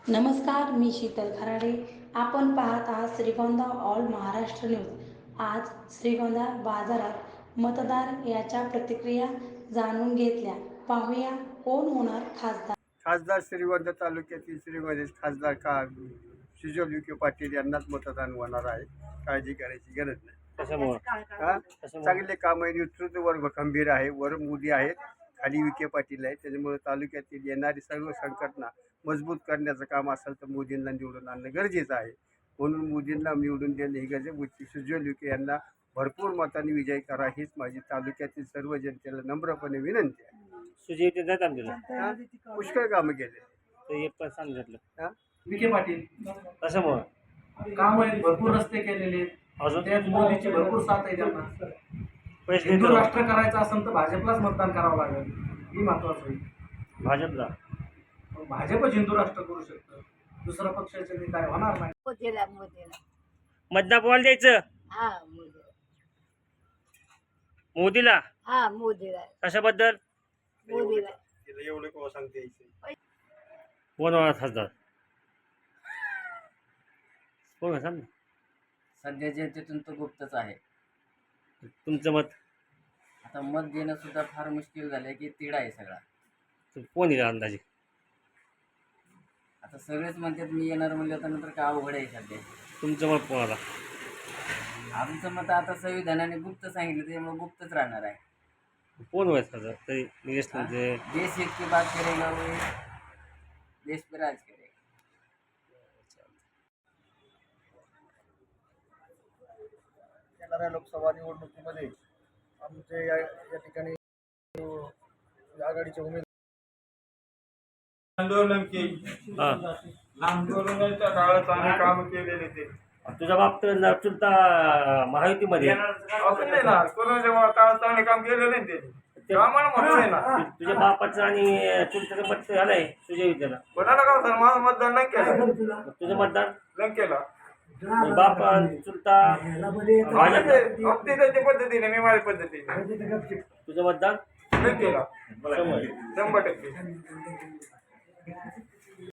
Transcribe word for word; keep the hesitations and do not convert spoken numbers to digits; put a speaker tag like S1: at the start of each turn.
S1: नमस्कार, मी शीतल खराडे. आपण पाहत आहात श्रीगोंदा ऑल महाराष्ट्र न्यूज. आज श्रीगोंदा बाजारात मतदार याच्या प्रतिक्रिया जाणून घेतल्या. पाहूया कोण होणार खासदार.
S2: खासदार श्रीगोंदा तालुक्यातील श्रीगोंद्याचे खासदार का सुजय विखे पाटील यांनाच मतदान होणार आहे. काळजी करायची गरज नाही. हा? चांगले काम आहे. नेतृत्व वर्ग खंबीर आहे. वर मोदी आहेत, खाली विखे पाटील आहेत. त्याच्यामुळे तालुक्यातील येणारी सर्व संघटना मजबूत करण्याचं काम असेल तर मोदींना निवडून आणणं गरजेचं आहे. म्हणून मोदींना निवडून देणं ही गरज. सुजय विखे यांना भरपूर मतांनी विजय करा हीच माझी तालुक्यातील सर्व जनतेला नम्रपणे विनंती आहे.
S3: सुजय विखे जात आमच्याला
S2: पुष्कळ कामं केले.
S3: तर एक पण सांगितलं
S4: विखे पाटील
S3: कशामुळे
S4: काम आहेत, भरपूर रस्ते केलेले आहेत.
S3: अजून
S4: त्यात मोदीची भरपूर साथ आहे त्यांना.
S3: पैसे
S4: हिंदू
S3: देतो
S4: राष्ट्र करायचं असेल तर भाजपलाच मतदान करावं लागेल, ही महत्वाचं होईल.
S3: भाजपला.
S4: मग भाजपच हिंदू राष्ट्र करू शकतं, दुसऱ्या पक्षाचे काय होणार नाही.
S5: मोदीला मोदीला
S3: मतदान कोणाला द्यायचं?
S5: हा मोदीला
S3: मोदीला.
S5: हा मोदीला
S3: कशाबद्दल?
S5: मोदीला
S2: एवढं कोण सांगते यायचं.
S3: कोण होणार खासदार? कोण सांग ना.
S6: सध्या जनतेतून तो गुप्तच आहे.
S3: तुमचं मत
S6: आता मत देणं सुद्धा फार मुश्किल झालंय की तिढा आहे सगळा.
S3: कोण येईल अंदाजे?
S6: आता सगळेच म्हणतात मी येणार म्हणलं तर नंतर काय अवघड आहे सध्या.
S3: तुमचं मत कोणाला?
S6: आमचं मत आता संविधानाने गुप्त सांगितलं त्यामुळे गुप्तच राहणार आहे.
S3: कोण व्हायचं खासदार? तरी निलेश म्हणजे
S6: देश एक की बात करेगा वो देश पे राज करेगा.
S7: येणाऱ्या लोकसभा निवडणुकीमध्ये आमचे या या ठिकाणी आघाडीचे उमेदवार
S2: आंदोलन की
S3: हा
S2: आंदोलनाच्या काळात आम्ही काम केलेले ते
S3: तुझ्या बाप तर चुलता महायुतीमध्ये आहे.
S2: असं नाही ना. कोरोनाच्या काळात चांगले काम केले नाही ते आम्हाला म्हणून आहे ना.
S3: तु- तुझ्या बापाचं आणि चुलत्याचं मत झालंय सुजय विखेला.
S2: कोणाला का सर माझं मतदान नाही केलं.
S3: मग तुझं मतदान
S2: नाही केलं.
S3: बाप चुलता भाजप.
S2: अगदी त्याच्या पद्धतीने मी माझ्या पद्धतीने
S3: तुझं मतदान
S2: नाही केलं.
S3: शंभर.
S2: शंभर टक्के